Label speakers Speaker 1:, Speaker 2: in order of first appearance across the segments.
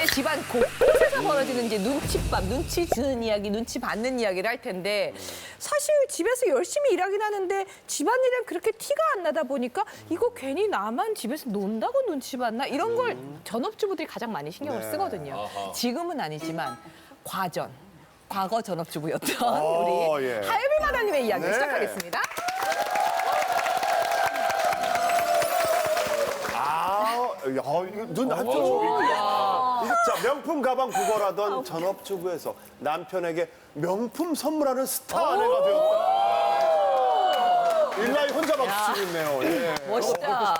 Speaker 1: 이제 집안 곳곳에서 벌어지는 이제 눈칫밥, 눈치 주는 이야기, 눈치 받는 이야기를 할 텐데 사실 집에서 열심히 일하긴 하는데 집안일은 그렇게 티가 안 나다 보니까 이거 괜히 나만 집에서 논다고 눈치 받나 이런 걸 전업주부들이 가장 많이 신경을 쓰거든요. 지금은 아니지만 과거 전업주부였던 우리
Speaker 2: 예.
Speaker 1: 하예빈 마다님의 이야기
Speaker 2: 네.
Speaker 1: 시작하겠습니다.
Speaker 2: 이거 눈 한쪽. 자, 명품 가방 구걸하던 전업주부에서 남편에게 명품 선물하는 스타 아내가 되었다. 일라이 혼자 박수 치고 있네요. 예.
Speaker 1: 멋있다.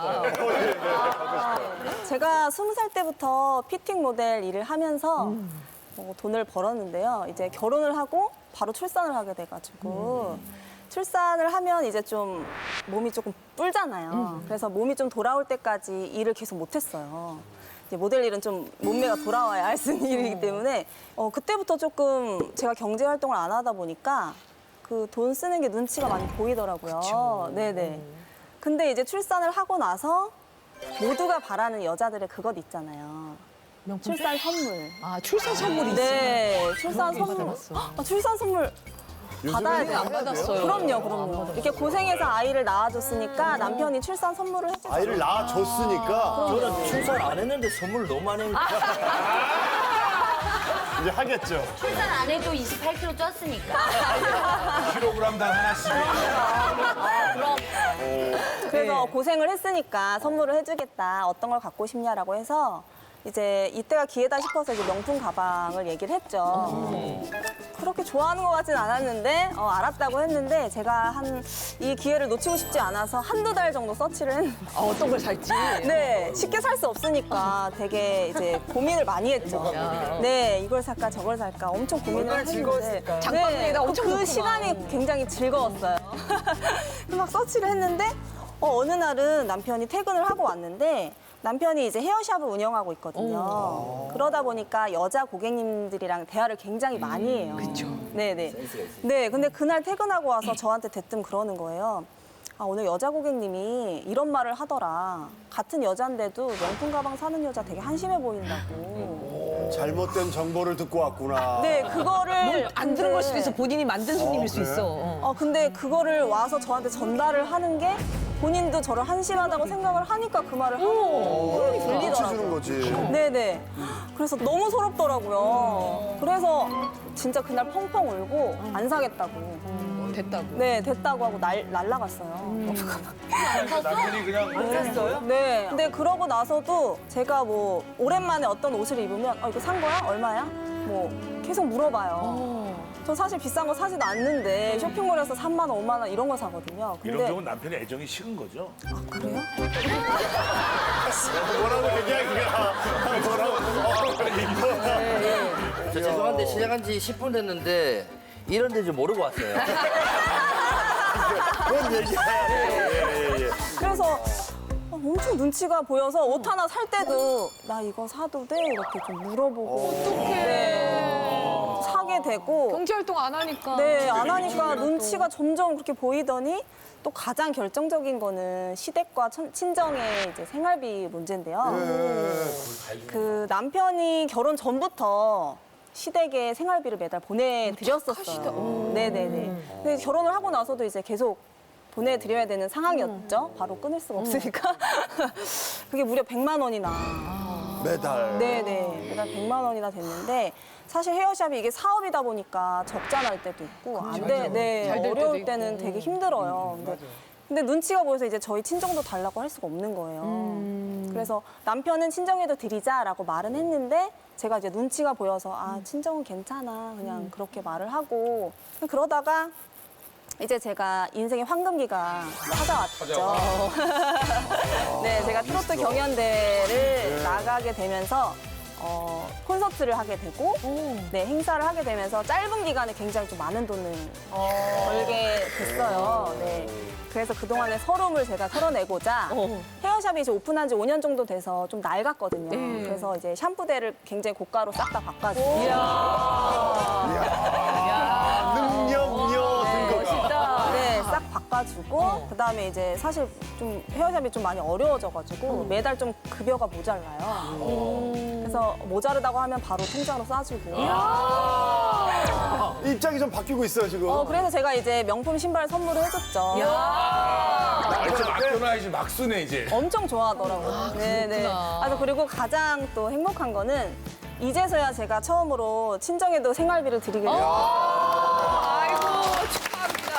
Speaker 3: 제가 20살 때부터 피팅 모델 일을 하면서 돈을 벌었는데요. 이제 결혼을 하고 바로 출산을 하게 돼가지고 출산을 하면 이제 좀 몸이 조금 뿔잖아요. 그래서 몸이 좀 돌아올 때까지 일을 계속 못했어요. 이제 모델 일은 좀 몸매가 돌아와야 할 수 있는 일이기 때문에 그때부터 조금 제가 경제 활동을 안 하다 보니까 그 돈 쓰는 게 눈치가 많이 보이더라고요. 네네. 근데 이제 출산을 하고 나서 모두가 바라는 여자들의 그것 있잖아요. 출산 선물.
Speaker 1: 아, 출산 선물이 있어요.
Speaker 3: 네, 출산 선물. 출산 선물 받아야 돼요.
Speaker 1: 안 받았어요.
Speaker 3: 그럼요. 이렇게 고생해서 아이를 낳아줬으니까 남편이 출산 선물을 해주죠.
Speaker 2: 아이를 낳아줬으니까
Speaker 4: 저는 출산 안 했는데 선물을 너무 많이 했니까
Speaker 2: 이제 하겠죠.
Speaker 5: 출산 안 해도 28kg 쪘으니까.
Speaker 6: 킬로그램당 하나씩.
Speaker 3: 그래서 고생을 했으니까 선물을 해주겠다. 어떤 걸 갖고 싶냐라고 해서 이제 이때가 기회다 싶어서 이제 명품 가방을 얘기를 했죠. 그렇게 좋아하는 것 같진 않았는데 알았다고 했는데 제가 이 기회를 놓치고 싶지 않아서 한두 달 정도 서치를 했는데
Speaker 1: 어떤 걸 살지?
Speaker 3: 네, 쉽게 살 수 없으니까 되게 이제 고민을 많이 했죠. 네, 이걸 살까 저걸 살까 엄청 고민을 했는데
Speaker 1: 장바구니에다 엄청
Speaker 3: 그
Speaker 1: 넣구만.
Speaker 3: 시간이 굉장히 즐거웠어요. 막 서치를 했는데 어느 날은 남편이 퇴근을 하고 왔는데 남편이 이제 헤어샵을 운영하고 있거든요. 그러다 보니까 여자 고객님들이랑 대화를 굉장히 많이 해요. 그렇죠. 네네. 네, 근데 그날 퇴근하고 와서 저한테 대뜸 그러는 거예요. 아, 오늘 여자 고객님이 이런 말을 하더라. 같은 여잔데도 명품 가방 사는 여자 되게 한심해 보인다고.
Speaker 2: 잘못된 정보를 듣고 왔구나.
Speaker 3: 네, 그거를
Speaker 1: 안 들은 걸 수도 있어. 본인이 만든 손님일 수 있어.
Speaker 3: 근데 그거를 와서 저한테 전달을 하는 게 본인도 저를 한심하다고 생각을 하니까 그 말을 하는 거예요.
Speaker 2: 눈치 주는 거지.
Speaker 3: 네네. 그래서 너무 서럽더라고요. 그래서 진짜 그날 펑펑 울고 안 사겠다고.
Speaker 1: 됐다고.
Speaker 3: 네, 됐다고 하고 날라갔어요.
Speaker 6: 남편이 그냥
Speaker 3: 네. 근데 그러고 나서도 제가 뭐 오랜만에 어떤 옷을 입으면 이거 산 거야? 얼마야? 뭐 계속 물어봐요. 전 사실 비싼 거 사지도 않는데 쇼핑몰에서 3만 원, 5만 원 이런 거 사거든요.
Speaker 6: 이런
Speaker 3: 근데
Speaker 6: 경우는 남편의 애정이 식은 거죠.
Speaker 3: 그래요?
Speaker 2: 뭐라고 얘기하기가.
Speaker 4: 저 죄송한데 시작한 지 10분 됐는데 이런 데 좀 모르고 왔어요.
Speaker 2: 그런 얘기야. 예.
Speaker 3: 그래서 엄청 눈치가 보여서 옷 하나 살 때도 나 이거 사도 돼? 이렇게 좀 물어보고 네. 사게 되고
Speaker 1: 경제활동 안 하니까.
Speaker 3: 네, 안 하니까 눈치가 점점 그렇게 보이더니 또 가장 결정적인 거는 시댁과 친정의 이제 생활비 문제인데요. 그 남편이 결혼 전부터 시댁에 생활비를 매달 보내드렸었어요. 네네네. 근데 결혼을 하고 나서도 이제 계속 보내드려야 되는 상황이었죠. 바로 끊을 수가 없으니까. 그게 무려 100만 원이나.
Speaker 2: 매달.
Speaker 3: 네네. 매달 100만 원이나 됐는데 사실 헤어샵이 이게 사업이다 보니까 적자 날 때도 있고 안 돼. 네.
Speaker 1: 잘될 때도
Speaker 3: 어려울
Speaker 1: 있고.
Speaker 3: 때는 되게 힘들어요. 근데 눈치가 보여서 이제 저희 친정도 달라고 할 수가 없는 거예요. 그래서 남편은 친정에도 드리자라고 말은 했는데 제가 이제 눈치가 보여서 친정은 괜찮아 그냥 그렇게 말을 하고 그러다가 이제 제가 인생의 황금기가 찾아왔죠. 네, 제가 트로트 경연대회를 나가게 되면서 콘서트를 하게 되고 네, 행사를 하게 되면서 짧은 기간에 굉장히 좀 많은 돈을 벌게 됐어요. 네. 그래서 그동안의 서름을 제가 털어내고자 헤어샵이 이제 오픈한 지 5년 정도 돼서 좀 낡았거든요. 그래서 이제 샴푸대를 굉장히 고가로 싹 다 바꿔주고
Speaker 2: 능력녀 등급.
Speaker 3: 네, 싹 바꿔주고 도와주고 그다음에 이제 사실 좀 헤어샵이 좀 많이 어려워져가지고 매달 좀 급여가 모자라요. 그래서 모자르다고 하면 바로 통장으로 쏴주고.
Speaker 2: 입장이 좀 바뀌고 있어요, 지금.
Speaker 3: 그래서 제가 이제 명품 신발 선물을 해줬죠.
Speaker 6: 이제 막 떠나 이제 막 쓰네 이제.
Speaker 3: 엄청 좋아하더라고요. 네네. 그래서 그리고 가장 또 행복한 거는 이제서야 제가 처음으로 친정에도 생활비를 드리게 됐어요.
Speaker 1: 아이고 축하합니다.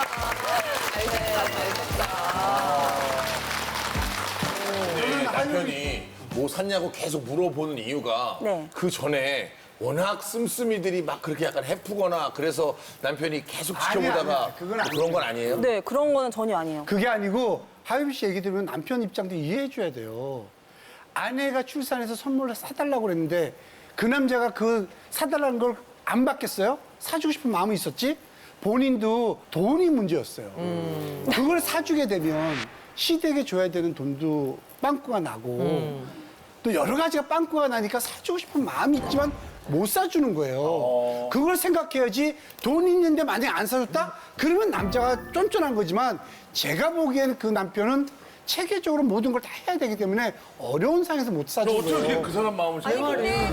Speaker 6: 근데 남편이 뭐 샀냐고 계속 물어보는 이유가
Speaker 3: 네.
Speaker 6: 그 전에 워낙 씀씀이들이 막 그렇게 약간 해프거나 그래서 남편이 계속 지켜보다가
Speaker 7: 아니야. 그건
Speaker 6: 뭐 그런 건 아니에요?
Speaker 3: 네, 그런 거는 전혀 아니에요.
Speaker 7: 그게 아니고 하유미 씨 얘기 들으면 남편 입장도 이해해 줘야 돼요. 아내가 출산해서 선물을 사달라고 그랬는데 그 남자가 그 사달라는 걸 안 받겠어요? 사주고 싶은 마음이 있었지? 본인도 돈이 문제였어요. 그걸 사주게 되면 시댁에 줘야 되는 돈도 빵꾸가 나고 또 여러 가지가 빵꾸가 나니까 사주고 싶은 마음이 있지만 못 사주는 거예요. 그걸 생각해야지 돈 있는데 만약에 안 사줬다? 그러면 남자가 쫀쫀한 거지만 제가 보기에는 그 남편은 체계적으로 모든 걸 다 해야 되기 때문에 어려운 상황에서 못 사주는
Speaker 6: 어떻게
Speaker 7: 거예요.
Speaker 6: 그 사람 마음을 잘
Speaker 3: 근데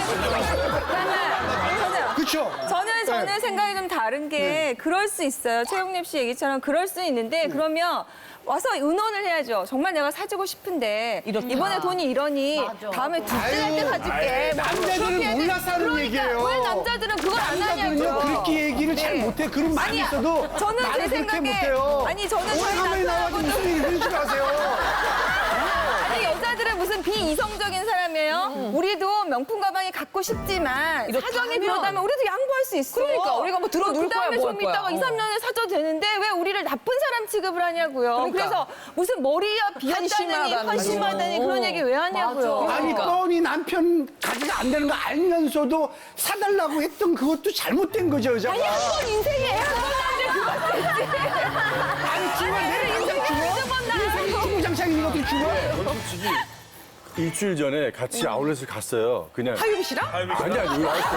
Speaker 7: 그렇죠?
Speaker 3: 저는 생각이 좀 다른 게 그럴 수 있어요. 최영립 씨 얘기처럼 그럴 수 있는데 그러면 와서 의논을 해야죠. 정말 내가 사주고 싶은데 이번에 돈이 이러니 다음에 둘째 할 때 사줄게.
Speaker 7: 남자들은 몰라서 하는 얘기예요.
Speaker 3: 왜 남자들은 그걸 안
Speaker 7: 남자들은요
Speaker 3: 하냐고요.
Speaker 7: 그렇게 얘기를 잘
Speaker 3: 네.
Speaker 7: 못해. 그런 말이
Speaker 3: 아니야.
Speaker 7: 있어도
Speaker 3: 저는
Speaker 7: 나는
Speaker 3: 제
Speaker 7: 그렇게
Speaker 3: 생각에-
Speaker 7: 못해요.
Speaker 3: 아니, 저는 저희
Speaker 7: 오래간만에 나와가지고 무슨 얘기 하는 줄 아세요?
Speaker 3: 아니 여자들은 무슨 비이성적인 사람이에요? 우리도 명품 가방이 갖고 싶지만 사정이
Speaker 1: 하면.
Speaker 3: 비롯하면 우리도 양보할 수 있어.
Speaker 1: 그러니까 우리가 뭐 들어놓을
Speaker 3: 그다음에
Speaker 1: 거야, 뭐
Speaker 3: 좀
Speaker 1: 할 거야.
Speaker 3: 있다가 2, 3년에 사줘도 되는데 왜 우리를 나쁜 사람 취급을 하냐고요.
Speaker 1: 그러니까.
Speaker 3: 그래서 무슨 머리야 비었다느니
Speaker 1: 한심하다는
Speaker 3: 한심하다니 그런 얘기 왜 하냐고요.
Speaker 7: 아니 뻔히 남편 가지가 안 되는 거 알면서도 사달라고 했던 그것도 잘못된 거죠 여자가.
Speaker 3: 아니 한 번 인생에 애한번한테 그거 됐지.
Speaker 7: 아니 죽어 내 인생 죽어? 인생이 주구장창인 것도 죽어?
Speaker 8: 일주일 전에 같이 아울렛을 갔어요. 그냥
Speaker 1: 하유미 씨랑?
Speaker 8: 아니 우리 와이프.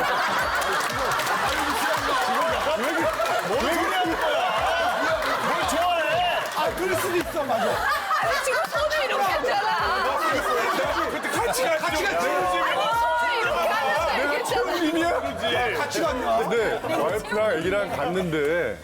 Speaker 7: 아 그럴 수도 있어 맞아.
Speaker 1: 아니 지금 손을 이렇게 했잖아.
Speaker 6: 그때 같이 갔지.
Speaker 7: 같이 갔냐?
Speaker 8: 근데 와이프랑 애기랑 갔는데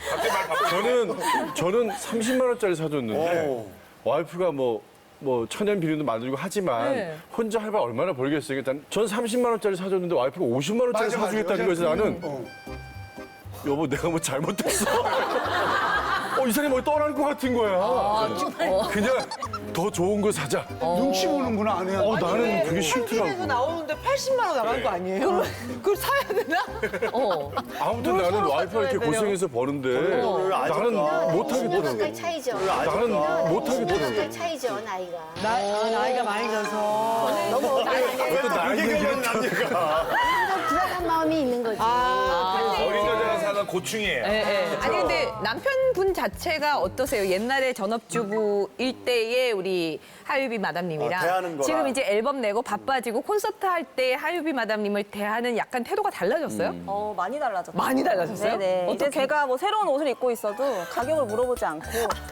Speaker 8: 저는 30만 원짜리 사줬는데 와이프가 뭐 천연 비누도 만들고 하지만
Speaker 1: 네.
Speaker 8: 혼자 할바 얼마나 벌겠어요. 일단 전 30만 원짜리 사줬는데 와이프가 50만 원짜리
Speaker 7: 맞아,
Speaker 8: 사주겠다는
Speaker 7: 맞아.
Speaker 8: 거에서 나는 여보 내가 뭐 잘못했어. 이 사람이 뭐 떠날 것 같은 거야. 그냥 더 좋은 거 사자.
Speaker 7: 눈치 보는구나 안 해요.
Speaker 8: 나는 그게
Speaker 9: TV에서
Speaker 8: 싫더라고.
Speaker 9: 나오는데 80만 원 나간 거 아니에요?
Speaker 1: 그걸 사야 되나?
Speaker 8: 아무튼 나는 와이프가 이렇게 고생해서 버는데 나는 못하겠더라고.
Speaker 5: 살 차이죠.
Speaker 8: 나는 못하겠더라고.
Speaker 5: 살 차이죠, 나이가.
Speaker 9: 나이가 많이 져서.
Speaker 5: 너무
Speaker 8: 어떤 나이 얘기를
Speaker 5: 불안한 마음이 있는 거지.
Speaker 6: 어린 여자가 사는 고충이에요.
Speaker 1: 아니 근데 남편분 자체가 어떠세요? 옛날에 전업주부일 때의 우리 하유비 마담님이랑
Speaker 2: 대하는 거랑.
Speaker 1: 지금 이제 앨범 내고 바빠지고 콘서트 할 때 하유비 마담님을 대하는 약간 태도가 달라졌어요?
Speaker 3: 많이 달라졌죠.
Speaker 1: 많이 달라졌어요?
Speaker 3: 네네. 이제
Speaker 1: 어떻게?
Speaker 3: 제가 뭐 새로운 옷을 입고 있어도 가격을 물어보지 않고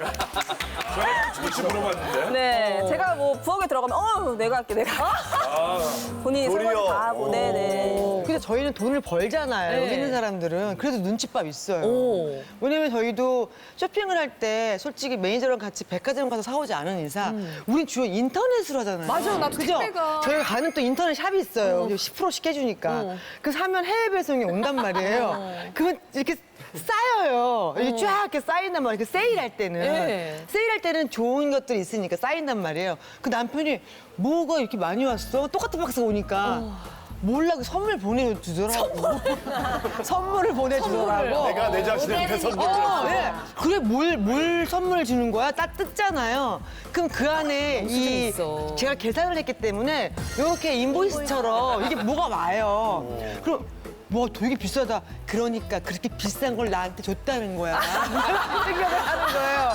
Speaker 6: 그렇지 물어봤는데.
Speaker 3: 네, 제가 뭐 부엌에 들어가면 내가 할게 내가 본인이 설거지
Speaker 2: 도리어.
Speaker 3: 다 하고 네네.
Speaker 9: 근데 저희는 돈을 벌잖아요.
Speaker 1: 네.
Speaker 9: 여기 있는 사람들은. 그래도 눈칫밥 있어요.
Speaker 1: 오.
Speaker 9: 왜냐면 저희도 쇼핑을 할 때 솔직히 매니저랑 같이 백화점 가서 사오지 않은 이상 우린 주로 인터넷으로 하잖아요.
Speaker 1: 맞아, 나도
Speaker 9: 그죠?
Speaker 1: 택배가.
Speaker 9: 저희가 가는 또 인터넷 샵이 있어요. 10%씩 해주니까. 그 사면 해외 배송이 온단 말이에요. 그건 이렇게 쌓여요. 이게 쫙 이렇게 쌓인단 말이에요. 그 세일할 때는.
Speaker 1: 네.
Speaker 9: 세일할 때는 좋은 것들이 있으니까 쌓인단 말이에요. 그 남편이 뭐가 이렇게 많이 왔어? 똑같은 박스가 오니까. 몰라, 그 선물 보내주더라고. 선물을 보내주더라고.
Speaker 2: 내가 내 자신한테 선물을
Speaker 9: 네. 그래, 뭘 선물을 주는 거야? 딱 뜯잖아요. 그럼 그 안에 이
Speaker 1: 있어.
Speaker 9: 제가 계산을 했기 때문에 이렇게 인보이스처럼 이게 뭐가 와요. 그럼 뭐 되게 비싸다. 그러니까 그렇게 비싼 걸 나한테 줬다는 거야. 이런 생각을 하는 거예요.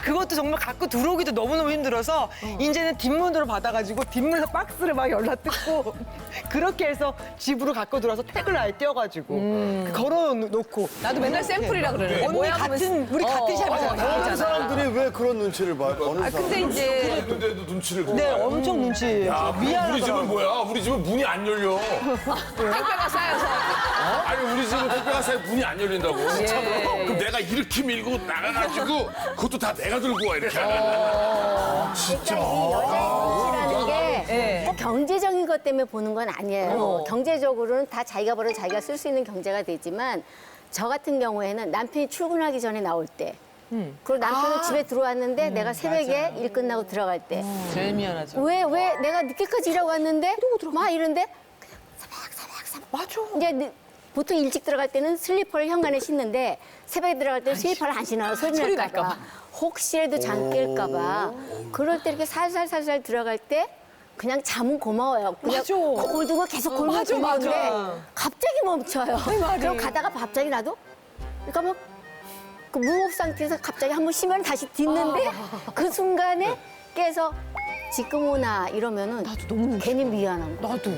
Speaker 9: 그것도 정말 갖고 들어오기도 너무너무 힘들어서 이제는 뒷문으로 받아가지고 뒷문에서 박스를 막 열라 뜯고 그렇게 해서 집으로 갖고 들어와서 택을 아예 떼어가지고 걸어놓고
Speaker 1: 나도 맨날 샘플이라 그러는데.
Speaker 9: 언니 같은 우리 같은 샵이잖아.
Speaker 2: 다른 사람들이 왜 그런 눈치를 봐요? 어느
Speaker 1: 아, 근데 이제
Speaker 6: 근데도 눈치를 보고.
Speaker 9: 네, 엄청 눈치.
Speaker 6: 야, 우리 집은
Speaker 9: 미안하더라고.
Speaker 6: 뭐야? 우리 집은 문이 안 열려.
Speaker 1: 택배가 쌓여서.
Speaker 6: 아니 우리 집은 택배가 사이 문이 안 열린다고. 그럼 내가 이렇게 밀고 나가가지고 그것도 다 내가 들고 와 이렇게 하면.
Speaker 5: 진짜 여자라는 게 꼭 경제적인 것 때문에 보는 건 아니에요. 경제적으로는 다 자기가 벌어 자기가 쓸 수 있는 경제가 되지만 저 같은 경우에는 남편이 출근하기 전에 나올 때 그리고 남편은 집에 들어왔는데 내가 새벽에 일 끝나고 들어갈 때
Speaker 9: 제일 미안하죠.
Speaker 5: 왜 내가 늦게까지 일하고 왔는데 막 이런데 그냥 사박사박
Speaker 9: 맞아.
Speaker 5: 이제 보통 일찍 들어갈 때는 슬리퍼를 현관에 신는데 새벽에 들어갈 때는 슬리퍼를 안 신어요. 소리 날까 봐. 혹시라도 잠 깰까 봐. 그럴 때 이렇게 살살살살 들어갈 때 그냥 잠은 고마워요. 그냥
Speaker 1: 맞아.
Speaker 5: 골 두고 계속 골목
Speaker 1: 맞아,
Speaker 5: 돌리는데
Speaker 1: 맞아.
Speaker 5: 갑자기 멈춰요. 그럼 가다가 갑자기 나도 그러니까 뭐 그 무호흡 상태에서 갑자기 한번 쉬면 다시 딛는데 그 순간에 깨서 지금 오나 이러면은 나도 너무 괜히 미안한 거.
Speaker 1: 나도.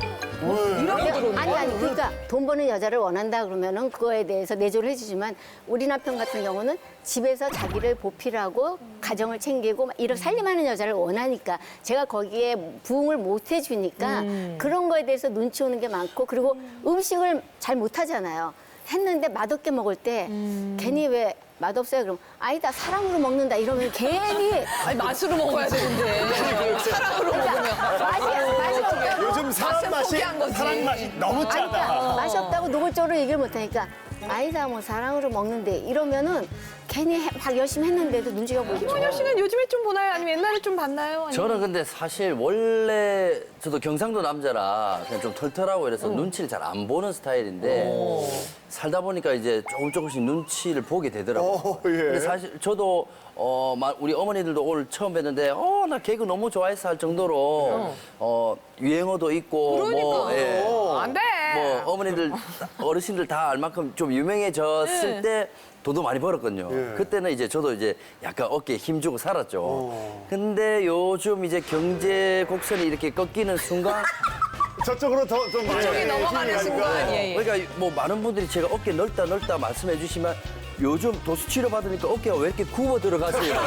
Speaker 5: 아니 그러니까 돈 버는 여자를 원한다 그러면은 그거에 대해서 내조를 해주지만 우리 남편 같은 경우는 집에서 자기를 보필하고 가정을 챙기고 막 이렇게 살림하는 여자를 원하니까 제가 거기에 부응을 못 해주니까 그런 거에 대해서 눈치 오는 게 많고 그리고 음식을 잘 못하잖아요. 했는데 맛없게 먹을 때 괜히 왜 맛없어요? 그럼 아니다 사랑으로 먹는다 이러면 괜히
Speaker 1: 아니, 맛으로 먹어야 되는데. 사랑으로 먹으면.
Speaker 5: 맛이 없다고
Speaker 2: 요즘 사람 맛이
Speaker 1: 포기한 거지.
Speaker 2: 사람 맛이 너무 짜다.
Speaker 5: 맛이 없다고 노골적으로 얘기를 못하니까 아니다 뭐 사랑으로 먹는데 이러면은 괜히 막 열심히 했는데도 눈치가 보이죠.
Speaker 1: 김원효 씨는 요즘에 좀 보나요? 아니면 옛날에 좀 봤나요? 아니면?
Speaker 4: 저는 근데 사실 원래 저도 경상도 남자라 그냥 좀 털털하고 이래서 눈치를 잘 안 보는 스타일인데 살다 보니까 이제 조금씩 눈치를 보게 되더라고요.
Speaker 2: 예.
Speaker 4: 근데 사실 저도 우리 어머니들도 오늘 처음 뵀는데 나 개그 너무 좋아해서 할 정도로 유행어도 있고 뭐
Speaker 1: 그러니까. 안 돼.
Speaker 4: 뭐 어머니들 어르신들 다 알 만큼 좀 유명해졌을 때 돈도 많이 벌었거든요. 그때는 이제 저도 이제 약간 어깨에 힘주고 살았죠. 근데 요즘 이제 경제 곡선이 이렇게 꺾이는 순간
Speaker 2: 저쪽으로 더좀
Speaker 1: 저기 넘어가는 순간. 예, 예.
Speaker 4: 그러니까 뭐 많은 분들이 제가 어깨 넓다 말씀해 주시면 요즘 도수 치료 받으니까 어깨가 왜 이렇게 굽어 들어가세요?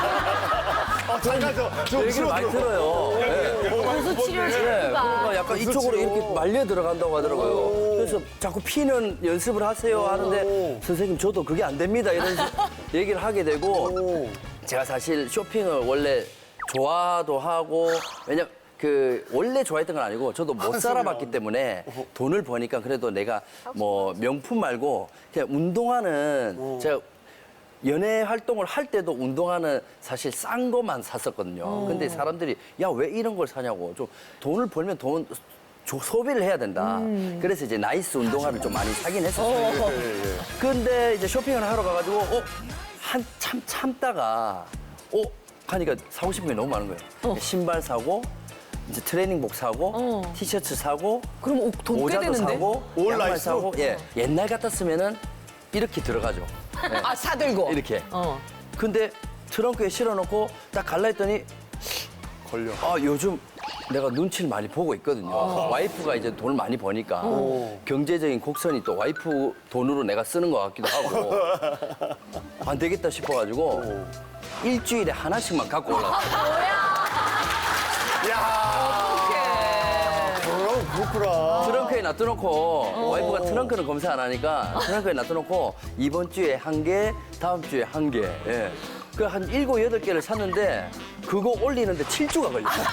Speaker 2: 잠깐 좀
Speaker 4: 얘기를 많이 들어요.
Speaker 5: 무슨 치료를
Speaker 4: 그러니까 약간 이쪽으로 이렇게 말려 들어간다고 하더라고요. 그래서 자꾸 피는 연습을 하세요 하는데 선생님 저도 그게 안 됩니다 이런 얘기를 하게 되고 제가 사실 쇼핑을 원래 좋아도 하고 왜냐면 그 원래 좋아했던 건 아니고 저도 못 살아봤기 때문에 돈을 버니까 그래도 내가 뭐 명품 말고 그냥 운동화는 제가 연애 활동을 할 때도 운동화는 사실 싼 것만 샀었거든요. 근데 사람들이 야 왜 이런 걸 사냐고 좀 돈을 벌면 소비를 해야 된다. 그래서 이제 나이스 운동화를 좀 많이 사긴 했었어요. 근데 이제 쇼핑을 하러 가가지고 한참 참다가 하니까 사고 싶은 게 너무 많은 거예요. 신발 사고 이제 트레이닝복 사고 티셔츠 사고
Speaker 1: 그럼 돈 꽤
Speaker 4: 모자도
Speaker 1: 되는데?
Speaker 4: 사고
Speaker 2: 올
Speaker 4: 양말
Speaker 2: 라이스?
Speaker 4: 사고 옛날 같았으면은 이렇게 들어가죠.
Speaker 1: 아, 사들고.
Speaker 4: 이렇게. 근데 트렁크에 실어놓고 딱 갈라 했더니
Speaker 2: 걸려.
Speaker 4: 요즘 내가 눈치를 많이 보고 있거든요. 와이프가 이제 돈을 많이 버니까 경제적인 곡선이 또 와이프 돈으로 내가 쓰는 것 같기도 하고 안 되겠다 싶어가지고 일주일에 하나씩만 갖고 올라왔어요.
Speaker 2: 그렇구나.
Speaker 4: 트렁크에 놔둬놓고 와이프가 트렁크는 검사 안 하니까 트렁크에 놔둬놓고 이번 주에 1개, 다음 주에 1개. 예. 그 한 7, 8개를 샀는데 그거 올리는데 7주가 걸렸어요.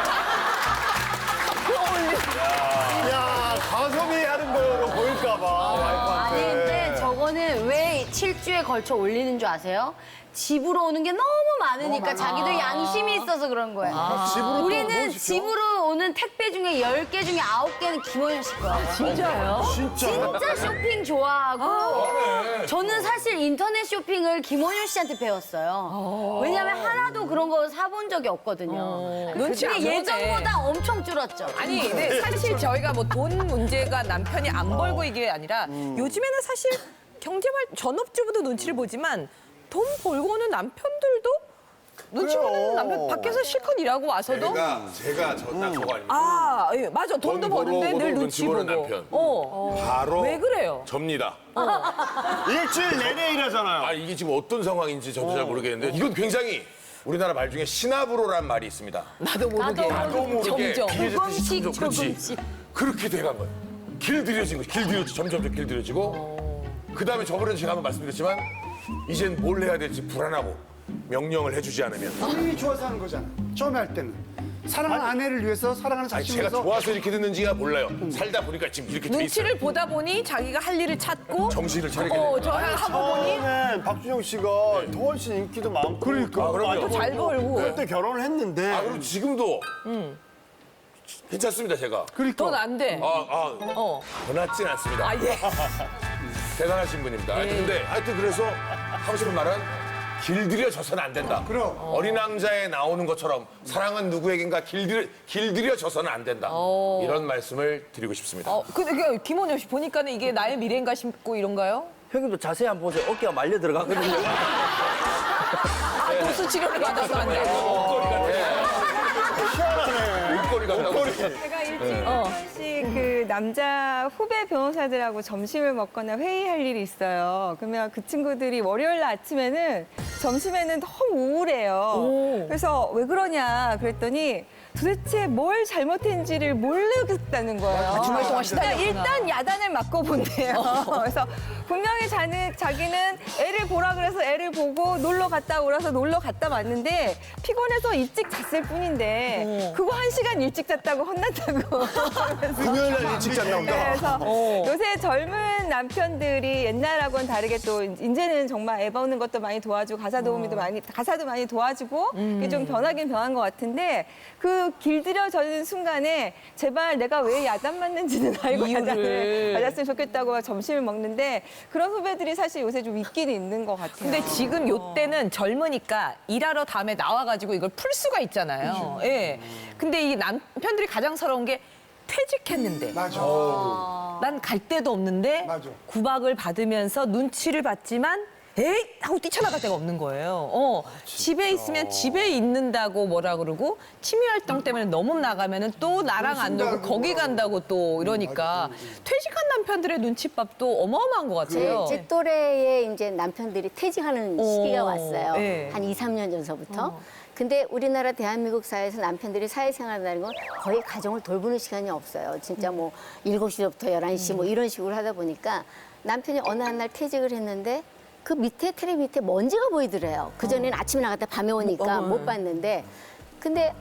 Speaker 2: 야, 가성비 하는 거로 보일까봐.
Speaker 10: 아니 근데 저거는 왜 7주에 걸쳐 올리는 줄 아세요? 집으로 오는 게 너무 많으니까 자기도 양심이 있어서 그런 거예요.
Speaker 2: 집으로
Speaker 10: 우리는 집으로 오는 택배 중에 10개 중에 9개는 김원효 씨 거예요.
Speaker 1: 진짜요?
Speaker 10: 진짜 쇼핑 좋아하고 저는 사실 인터넷 쇼핑을 김원효 씨한테 배웠어요. 왜냐면 하나도 그런 거 사본 적이 없거든요.
Speaker 1: 눈치 안
Speaker 10: 근데
Speaker 1: 보네.
Speaker 10: 예전보다 엄청 줄었죠.
Speaker 1: 아니, 근데 사실 저희가 뭐 돈 문제가 남편이 안 벌고 이게 아니라 요즘에는 사실 전업주부도 눈치를 보지만 돈 벌고는 남편들도 눈치 보는 남편 밖에서 실컷 일하고 와서도
Speaker 6: 제가 딱 저거 아닙니까?
Speaker 1: 아, 예, 맞아. 돈도 버는데 늘 눈치 보고.
Speaker 6: 남편.
Speaker 1: 어.
Speaker 6: 바로
Speaker 1: 왜 그래요?
Speaker 6: 접니다.
Speaker 2: 일주일 내내 일하잖아요.
Speaker 6: 아, 이게 지금 어떤 상황인지 저도 잘 모르겠는데 이건 굉장히 우리나라 말 중에 신압으로란 말이 있습니다.
Speaker 1: 나도 모르게.
Speaker 6: 나도 모르게
Speaker 1: 점점.
Speaker 6: 조금씩 그렇지. 그렇게 돼간 거예요. 길들여진 거죠. 길들여지고 점점 길들여지고 그다음에 저번에 제가 한번 말씀드렸지만 이젠 뭘 해야 될지 불안하고 명령을 해주지 않으면
Speaker 7: 본인이 좋아서 하는 거잖아. 처음에 할 때는. 사랑하는 아내를 위해서, 사랑하는
Speaker 6: 아니
Speaker 7: 자신을
Speaker 6: 제가
Speaker 7: 위해서.
Speaker 6: 좋아서 이렇게 됐는지가 몰라요. 살다 보니까 지금 이렇게 돼 있어요.
Speaker 1: 눈치를 보다 보니 자기가 할 일을 찾고
Speaker 6: 정신을 차리게 되는
Speaker 1: 저 하고 보니
Speaker 2: 처음엔 박준영 씨가 더 훨씬 인기도 많고.
Speaker 6: 아, 그럼요.
Speaker 1: 잘 벌고
Speaker 2: 그때 결혼을 했는데.
Speaker 6: 아, 그리고 지금도 괜찮습니다, 제가.
Speaker 1: 돈 안 돼.
Speaker 6: 더 낫진 않습니다.
Speaker 1: 아, 예.
Speaker 6: 대단하신 분입니다. 하여튼 그래서 하고 싶은 말은 길들여져서는 안 된다.
Speaker 7: 그럼.
Speaker 6: 어린 왕자에 나오는 것처럼 사랑은 누구에겐가 길들여져서는 안 된다. 이런 말씀을 드리고 싶습니다.
Speaker 1: 근데 김원효 씨 보니까는 이게 나의 미래인가 싶고 이런가요?
Speaker 4: 형님도 자세히 한번 보세요. 어깨가 말려 들어가거든요.
Speaker 1: 아, 도수 치료를 받아서 안 되고.
Speaker 6: 목걸이가
Speaker 11: 제가 일주일에 한 번씩 그 남자 후배 변호사들하고 점심을 먹거나 회의할 일이 있어요. 그러면 그 친구들이 월요일 날 아침에는 점심에는 너무 우울해요. 그래서 왜 그러냐 그랬더니 도대체 뭘 잘못했는지를 모르겠다는 거예요.
Speaker 1: 주말 동안 시달렸구나.
Speaker 11: 일단 야단을 맞고 본대요. 그래서 분명히 자기는 애를 보라 그래서 애를 보고 놀러 갔다 오라서 놀러 갔다 왔는데 피곤해서 일찍 잤을 뿐인데 그거 1시간 일찍 잤다고 혼났다고.
Speaker 2: 금요일 날 일찍 잤나 보다.
Speaker 11: 그래서 요새 젊은 남편들이 옛날하고는 다르게 또 이제는 정말 애 보는 것도 많이 도와주고 가사도 많이 도와주고 이게 좀 변하긴 변한 것 같은데 그 길들여지는 순간에 제발 내가 왜 야단 맞는지는 알고 야단을 맞았으면 좋겠다고 점심을 먹는데 그런 후배들이 사실 요새 좀 있기는 있는 것 같아요.
Speaker 1: 근데 지금 요때는 젊으니까 일하러 다음에 나와가지고 이걸 풀 수가 있잖아요. 예. 근데 이 남편들이 가장 서러운 게 퇴직했는데.
Speaker 7: 맞아.
Speaker 1: 난 갈 데도 없는데
Speaker 7: 맞아.
Speaker 1: 구박을 받으면서 눈치를 받지만 에이! 하고 뛰쳐나갈 데가 없는 거예요. 집에 있으면 집에 있는다고 뭐라 그러고 취미활동 때문에 너무 나가면은 또 나랑 안 놀고 거기 간다고 또 이러니까 퇴직한 남편들의 눈칫밥도 어마어마한 것 같아요.
Speaker 5: 제 또래의 이제 남편들이 퇴직하는 시기가 왔어요.
Speaker 1: 네.
Speaker 5: 한 2, 3년 전서부터. 근데 우리나라 대한민국 사회에서 남편들이 사회생활을 하는 건 거의 가정을 돌보는 시간이 없어요. 진짜 뭐 7시부터 11시 뭐 이런 식으로 하다 보니까 남편이 어느 한 날 퇴직을 했는데 그 밑에 테레비 밑에 먼지가 보이더래요. 그전에는 아침에 나갔다 밤에 오니까 못 봤는데 근데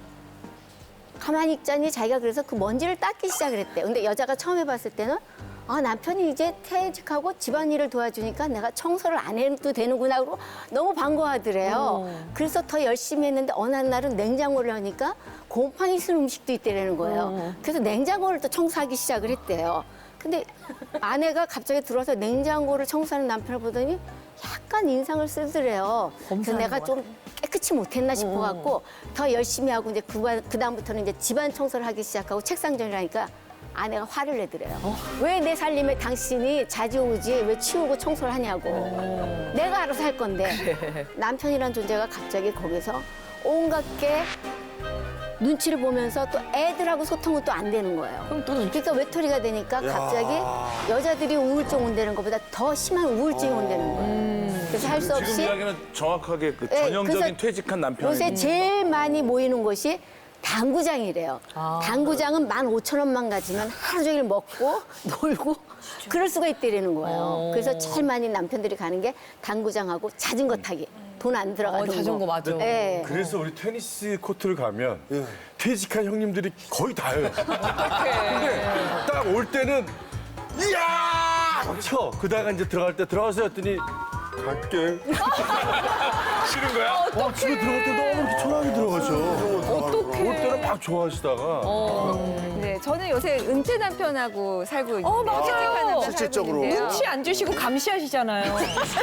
Speaker 5: 가만히 있자니 자기가 그래서 그 먼지를 닦기 시작을 했대요. 근데 여자가 처음 해봤을 때는 아, 남편이 이제 퇴직하고 집안일을 도와주니까 내가 청소를 안 해도 되는구나 그러고 너무 반가워하더래요. 그래서 더 열심히 했는데 어느 한 날은 냉장고를 하니까 곰팡이 쓴 음식도 있대라는 거예요. 그래서 냉장고를 또 청소하기 시작을 했대요. 근데 아내가 갑자기 들어와서 냉장고를 청소하는 남편을 보더니 약간 인상을 쓰더래요. 그래서 내가 좀 깨끗이 못했나 싶어갖고 더 열심히 하고 이제 그다음부터는 이제 집안 청소를 하기 시작하고 책상 정리를 하니까 아내가 화를 내더래요. 왜 내 살림에 당신이 자지우지 왜 치우고 청소를 하냐고. 내가 알아서 할 건데. 남편이란 존재가 갑자기 거기서 온갖 게 눈치를 보면서 또 애들하고 소통은 또 안 되는 거예요. 그러니까 외톨이가 되니까 갑자기 여자들이 우울증 온다는 것보다 더 심한 우울증이 온다는 거예요. 그래서 할 수 없이
Speaker 8: 지금 이야기는 정확하게 그
Speaker 5: 네,
Speaker 8: 전형적인
Speaker 5: 그래서
Speaker 8: 퇴직한 남편이
Speaker 5: 요새 제일 많이 모이는 곳이 당구장이래요. 당구장은 15,000원만 가지면 하루 종일 먹고 놀고 그럴 수가 있다라는 거예요. 그래서 제일 많이 남편들이 가는 게 당구장하고 자전거 타기. 돈 안 들어가는 거.
Speaker 1: 자전거 맞아.
Speaker 5: 네.
Speaker 8: 그래서 우리 테니스 코트를 가면 퇴직한 형님들이 거의 다예요. 근데 딱 올 때는 이야! 쳐. 그다가 이제 들어갈 때 들어가세요 했더니 갈게.
Speaker 6: 싫은 거야?
Speaker 8: 집에 들어갈 때 너무 이렇게 초라하게 들어가죠.
Speaker 1: 어떡해.
Speaker 8: 올 때는 막 좋아하시다가
Speaker 11: 네, 저는 요새 은퇴 남편하고 살고 있는데
Speaker 1: 맞아요.
Speaker 11: 재직한 남편
Speaker 2: 실질적으로.
Speaker 11: 살고 있는데요.
Speaker 1: 눈치 안 주시고 감시하시잖아요.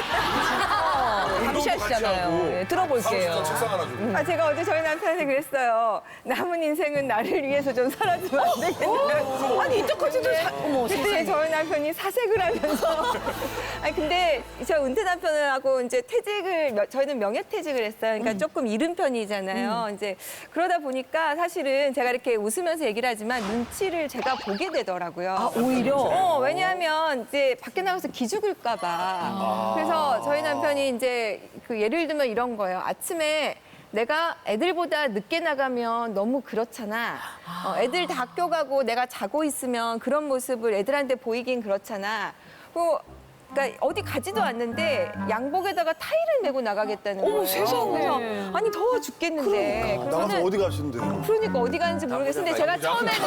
Speaker 1: 감시하시잖아요.
Speaker 6: 하고.
Speaker 1: 네, 들어볼게요.
Speaker 6: 책상 하나 주고.
Speaker 11: 아, 제가 어제 저희 남편한테 그랬어요. 남은 인생은 나를 위해서 좀 살아주면 안 되겠냐.
Speaker 1: 아니 이때까지도
Speaker 11: 그때 저희 남편이 사색을 하면서. 아니 근데 저 은퇴 남편하고 이제 저희는 명예퇴직을 했어요. 그러니까 조금 이른 편이잖아요. 이제 그러다 보니까 사실은 제가 이렇게 웃으면서 얘기를 하지만 눈치를 제가 보게 되더라고요.
Speaker 1: 아 오히려.
Speaker 11: 왜냐하면 이제 밖에 나가서 기죽을까봐. 그래서 저희 남편이 이제 그 예를 들면 이런 거예요. 아침에 내가 애들보다 늦게 나가면 너무 그렇잖아. 애들 다 학교 가고 내가 자고 있으면 그런 모습을 애들한테 보이긴 그렇잖아. 그러니까 어디 가지도 않는데 양복에다가 타이를 메고 나가겠다는 거예요.
Speaker 1: 세상에.
Speaker 11: 그래서 아니 더워 죽겠는데.
Speaker 2: 나가서
Speaker 11: 그러면은
Speaker 2: 어디 가시는데요?
Speaker 11: 그러니까 어디 가는지 모르겠는데 제가 처음에는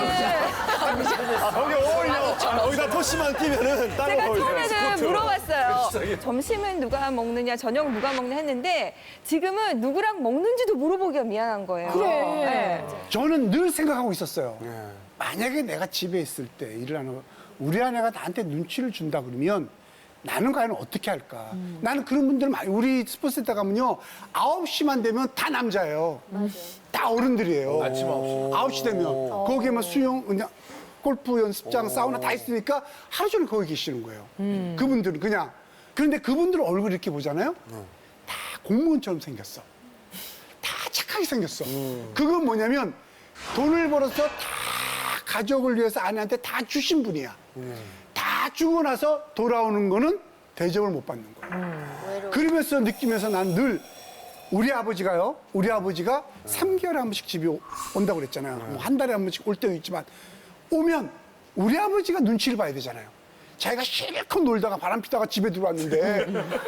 Speaker 2: 거기 어울려. 거기다 토시만 끼면은 다른
Speaker 11: 제가
Speaker 2: 거 어울려.
Speaker 11: 처음에는 물어봤어요. 점심은 누가 먹느냐, 저녁 누가 먹느냐 했는데 지금은 누구랑 먹는지도 물어보기가 미안한 거예요. 네.
Speaker 7: 저는 늘 생각하고 있었어요. 만약에 내가 집에 있을 때 일을 하는 거, 우리 아내가 나한테 눈치를 준다 그러면 나는 과연 어떻게 할까? 나는 그런 분들 많이, 우리 스포츠센터 가면요. 9시만 되면 다 남자예요. 다 어른들이에요.
Speaker 6: 아침 9시.
Speaker 7: 9시 되면. 거기에 뭐 수영, 그냥 골프 연습장, 사우나 다 있으니까 하루 종일 거기 계시는 거예요. 그분들은 그냥. 그런데 그분들 얼굴 이렇게 보잖아요. 다 공무원처럼 생겼어. 다 착하게 생겼어. 그건 뭐냐면 돈을 벌어서 다 가족을 위해서 아내한테 다 주신 분이야. 다 주고 나서 돌아오는 거는 대접을 못 받는 거야. 그러면서 느끼면서 난 늘 우리 아버지가 3개월에 한 번씩 집에 온다고 그랬잖아요. 뭐 한 달에 한 번씩 올 때도 있지만 오면 우리 아버지가 눈치를 봐야 되잖아요. 자기가 실컷 놀다가 바람 피다가 집에 들어왔는데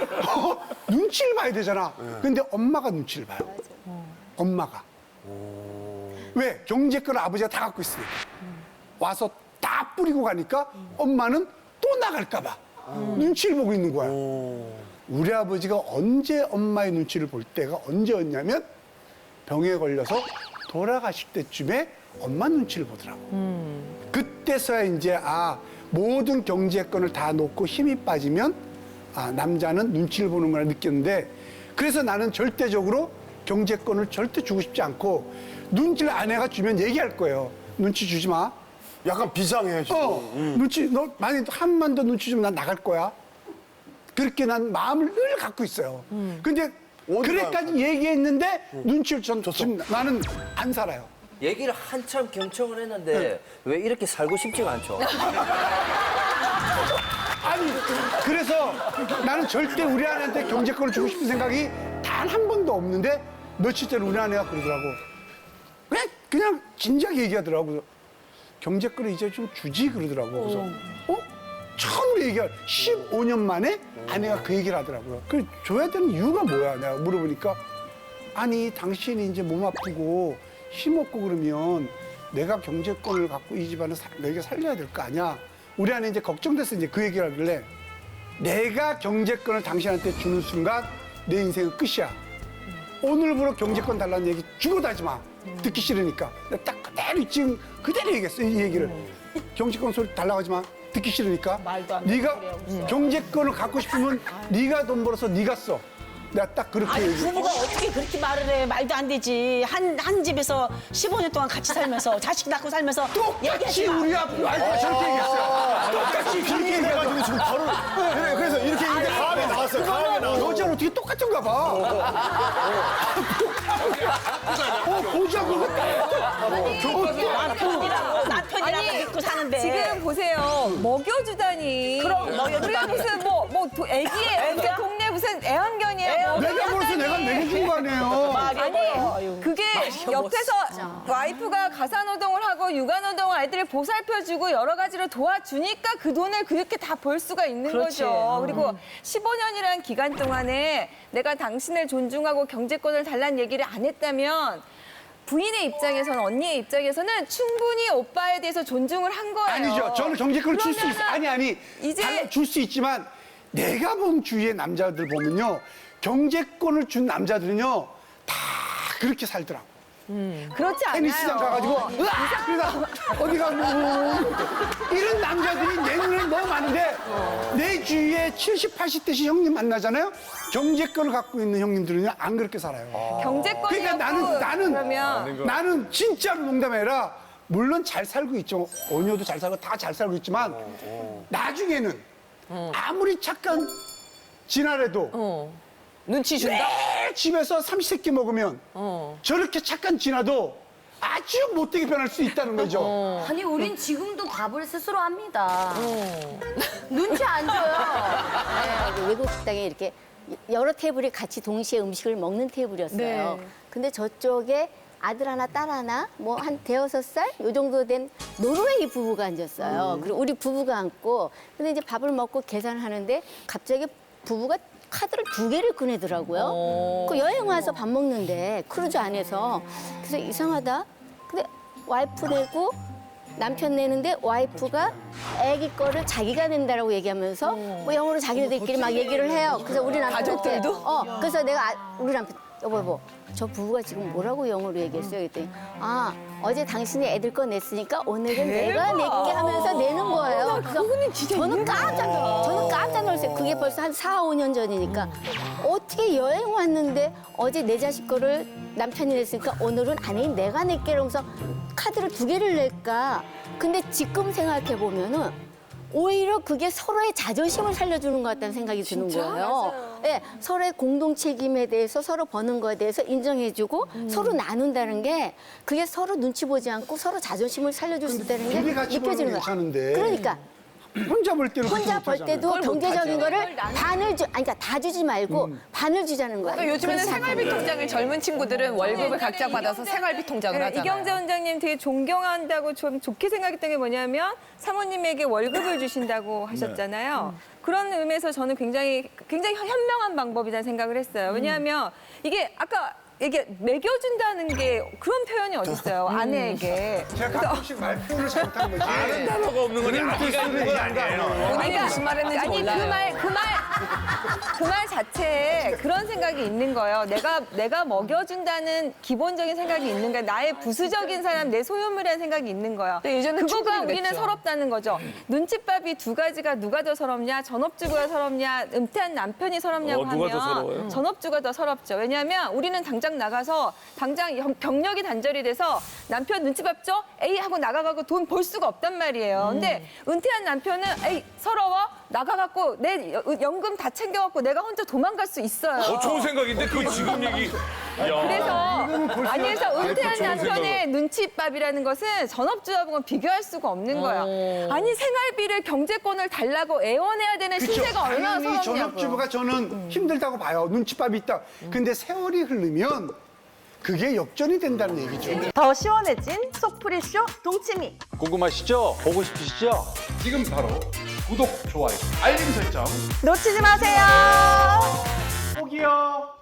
Speaker 7: 눈치를 봐야 되잖아. 근데 엄마가 눈치를 봐요. 엄마가. 왜? 경제권을 아버지가 다 갖고 있으니까. 와서 다 뿌리고 가니까 엄마는 또 나갈까 봐 눈치를 보고 있는 거야. 우리 아버지가 언제 엄마의 눈치를 볼 때가 언제였냐면 병에 걸려서 돌아가실 때쯤에 엄마 눈치를 보더라고. 그때서야 이제 모든 경제권을 다 놓고 힘이 빠지면 남자는 눈치를 보는구나 느꼈는데 그래서 나는 절대적으로 경제권을 절대 주고 싶지 않고 눈치를 아내가 주면 얘기할 거예요. 눈치 주지 마.
Speaker 2: 약간 비상해 지금.
Speaker 7: 눈치, 너 만약 한만 더 눈치 주면 난 나갈 거야. 그렇게 난 마음을 늘 갖고 있어요. 근데 그래까지 얘기했는데 눈치를 지금 나는 안 살아요.
Speaker 4: 얘기를 한참 경청을 했는데 왜 이렇게 살고 싶지가 않죠?
Speaker 7: 아니, 그래서 나는 절대 우리 아내한테 경제권을 주고 싶은 생각이 단 한 번도 없는데 며칠 전에 우리 아내가 그러더라고. 그냥 진작에 얘기하더라고. 경제권을 이제 좀 주지 그러더라고. 그래서 처음으로 얘기할 15년 만에 아내가 그 얘기를 하더라고요. 그 줘야 되는 이유가 뭐야? 내가 물어보니까 아니 당신이 이제 몸 아프고 힘없고 그러면 내가 경제권을 갖고 이 집안을 너희가 살려야 될 거 아니야. 우리 아내 이제 걱정돼서 이제 그 얘기를 하길래 내가 경제권을 당신한테 주는 순간 내 인생은 끝이야. 오늘부로 경제권 달라는 얘기 죽어도 하지 마. 듣기 싫으니까. 내가 딱 그대로 지금 그대로 얘기했어 이 얘기를. 경제권 소리 달라고 하지 마. 듣기 싫으니까. 네가 경제권을 갖고 싶으면 네가 돈 벌어서 네가 써. 내가 딱 그렇게 얘기해.
Speaker 12: 부부가 어떻게 그렇게 말을 해? 말도 안 되지. 한 집에서 15년 동안 같이 살면서 자식 낳고 살면서
Speaker 7: 똑같이 우리 와이프가 저렇게 얘기했어요. 똑같이 그렇게
Speaker 2: 얘기해가지고 지금 바로 그래서 이렇게 얘기가 다음에 나왔어요. 다음에 나왔어요.
Speaker 7: 여자는 어떻게 똑같은가 봐. 보자고.
Speaker 12: 남편이랑 믿고 사는데.
Speaker 11: 지금 보세요. 먹여주다니.
Speaker 12: 그럼 먹여주다니.
Speaker 11: 우리가 무슨 애기예요. 무슨 동네 무슨 애완견이에요.
Speaker 7: 내가 벌써 내가 먹여준 거 아니에요.
Speaker 11: 아니 그게 옆에서 와이프가 가사노동을 하고 육아노동을 아이들을 보살펴주고 여러 가지로 도와주니까 그 돈을 그렇게 다 벌 수가 있는
Speaker 12: 그렇지.
Speaker 11: 거죠. 그리고 15년이라는 기간 동안에 내가 당신을 존중하고 경제권을 달라는 얘기를 안 했다면 부인의 입장에서는 언니의 입장에서는 충분히 오빠에 대해서 존중을 한 거예요.
Speaker 7: 아니죠. 저는 경제권을 줄 수 있어.
Speaker 11: 그러면은
Speaker 7: 이제 줄 수 있지만 내가 본 주위의 남자들 보면요. 경제권을 준 남자들은요. 다 그렇게 살더라고.
Speaker 1: 그렇지 않아요.
Speaker 7: 테니스장 가가지고 으악! 그러다 어디가 이런 남자들이 내 눈에 너무 많은데 내 주위에 70, 80대씩 형님 만나잖아요. 경제권을 갖고 있는 형님들은 안 그렇게 살아요.
Speaker 11: 경제권이
Speaker 7: 그러니까 나는 진짜로 농담이 아니라 물론 잘 살고 있죠. 언니도 잘 살고 다 잘 살고 있지만 나중에는 아무리 착한 진아래도
Speaker 1: 눈치 준다?
Speaker 7: 매일 집에서 삼시세끼 먹으면 저렇게 착한 진아도 아주 못되게 변할 수 있다는 거죠.
Speaker 10: 아니 우린 지금도 밥을 스스로 합니다. 눈치 안 줘요.
Speaker 5: 네, 외국 식당에 이렇게 여러 테이블이 같이 동시에 음식을 먹는 테이블이었어요.
Speaker 1: 네.
Speaker 5: 근데 저쪽에 아들 하나, 딸 하나, 뭐 한 대여섯 살 요 정도 된 노르웨이 부부가 앉았어요. 그리고 우리 부부가 앉고, 근데 이제 밥을 먹고 계산을 하는데 갑자기 부부가 카드를 2개를 꺼내더라고요. 그 여행 와서 밥 먹는데 크루즈 안에서. 그래서 이상하다. 근데 와이프 내고 남편 내는데 와이프가 아기 거를 자기가 낸다라고 얘기하면서 뭐 영어로 자기네들끼리 막 얘기를 해요. 그래서 우리 남편한테 그래서 내가 우리 남편 여보 저 부부가 지금 뭐라고 영어로 얘기했어요? 그랬더니 어제 당신이 애들 거 냈으니까 오늘은 내가 낼게 하면서 내는 거예요. 그래서 저는 깜짝 놀랐어요. 그게 벌써 한 4, 5년 전이니까 어떻게 여행 왔는데 어제 내 자식 거를 남편이 냈으니까 오늘은 아니 내가 낼게 이러면서 카드를 2개를 낼까? 근데 지금 생각해 보면은 오히려 그게 서로의 자존심을 살려주는 것 같다는 생각이 드는 거예요. 네, 서로의 공동 책임에 대해서 서로 버는 거에 대해서 인정해주고 서로 나눈다는 게 그게 서로 눈치 보지 않고 서로 자존심을 살려줄 수 있다는 게
Speaker 7: 둘이 같이 보는
Speaker 5: 느껴지는
Speaker 7: 건
Speaker 5: 거예요.
Speaker 7: 괜찮은데.
Speaker 5: 그러니까
Speaker 7: 혼자 볼 때는
Speaker 5: 혼자 벌 때도 경제적인 거를 반을 그러니까 다 주지 말고 반을 주자는 거예요.
Speaker 1: 그러니까 요즘에는
Speaker 5: 그렇지
Speaker 1: 생활비
Speaker 5: 않다는
Speaker 1: 통장을 젊은 친구들은 월급을 각자 받아서 생활비 통장을
Speaker 11: 네,
Speaker 1: 하잖아요.
Speaker 11: 이경재 원장님 되게 존경한다고 좀 좋게 생각했던 게 뭐냐면 사모님에게 월급을 주신다고 하셨잖아요. 그런 의미에서 저는 굉장히 현명한 방법이라는 생각을 했어요. 왜냐하면 이게 아까 이게 먹여준다는 게 그런 표현이 어딨어요, 아내에게.
Speaker 7: 제가 가끔씩 말 표현을 잘못한 거지.
Speaker 6: 다른 단어가 없는 거지. 아기가 있는 건 아니에요.
Speaker 1: 본인이 무슨 말 했는지
Speaker 11: 아니
Speaker 1: 몰라요.
Speaker 11: 그 말 자체에 그런 생각이 있는 거예요. 내가 먹여준다는 기본적인 생각이 있는 거야. 나의 부수적인 사람, 내 소유물이라는 생각이 있는 거예요.
Speaker 1: 예전엔
Speaker 11: 그거가
Speaker 1: 충분히
Speaker 11: 우리는
Speaker 1: 그랬죠.
Speaker 11: 서럽다는 거죠. 눈칫밥이 2가지가 누가 더 서럽냐, 전업주부가 서럽냐, 은퇴한 남편이 서럽냐고
Speaker 8: 누가 더 서러워요?
Speaker 11: 하면 전업주가 더 서럽죠. 왜냐하면 우리는 당장 나가서 당장 경력이 단절이 돼서 남편 눈칫밥 줘? 에이 하고 나가가고 돈 벌 수가 없단 말이에요. 근데 은퇴한 남편은 에이 서러워? 나가갖고 내 연금 다 챙겨갖고 내가 혼자 도망갈 수 있어요.
Speaker 6: 좋은 생각인데 그 지금 얘기. 야.
Speaker 11: 그래서 은퇴한
Speaker 6: 좋은
Speaker 11: 남편의
Speaker 6: 생각을.
Speaker 11: 눈칫밥이라는 것은 전업주하고는 비교할 수가 없는 거예요. 아니 생활비를 경제권을 달라고 애원해야 되는 신세가 얼마나
Speaker 7: 당연히
Speaker 11: 서럽냐고요.
Speaker 7: 전업주부가 저는 힘들다고 봐요. 눈칫밥이 있다. 근데 세월이 흐르면 그게 역전이 된다는 얘기죠.
Speaker 13: 더 시원해진 속풀이쇼 동치미.
Speaker 8: 궁금하시죠? 보고 싶으시죠?
Speaker 2: 지금 바로 구독, 좋아요, 알림 설정
Speaker 13: 놓치지 마세요.
Speaker 2: 꼭이요.